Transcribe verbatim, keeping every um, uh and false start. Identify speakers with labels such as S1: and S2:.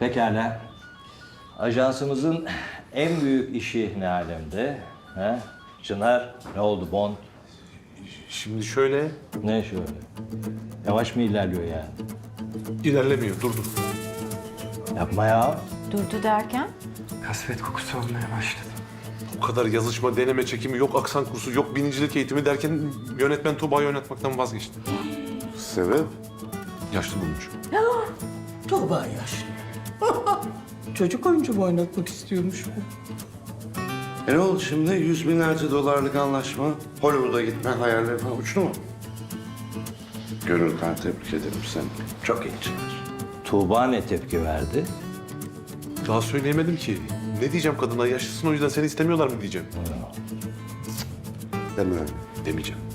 S1: Pekala. Ajansımızın en büyük işi ne alemde? He? Çınar, ne oldu Bond?
S2: Şimdi şöyle
S1: Ne şöyle? Yavaş mı ilerliyor yani?
S2: ilerlemiyor, durdu.
S1: Yapma ya.
S3: Durdu derken?
S4: Kasvet kokusu olmaya başladı.
S2: O kadar yazışma, deneme çekimi, yok aksan kursu, yok binicilik eğitimi derken yönetmen Tuğba'yı oynatmaktan vazgeçti.
S5: Sebep?
S2: Yaşlı bulmuş.
S6: Tuğba yaşlı. Çocuk oyuncu mu oynatmak istiyormuş bu?
S5: E ne oldu şimdi? Yüz binlerce dolarlık anlaşma. Hollywood'a gitme hayalleri falan uçtu mu? Gönülden tebrik ederim seni. Çok iyi Çınar.
S1: Tuğba ne tepki verdi?
S2: Daha söyleyemedim ki. Ne diyeceğim kadına? Yaşlısın, o yüzden seni istemiyorlar mı diyeceğim.
S5: Deme öyle.
S2: Demeyeceğim.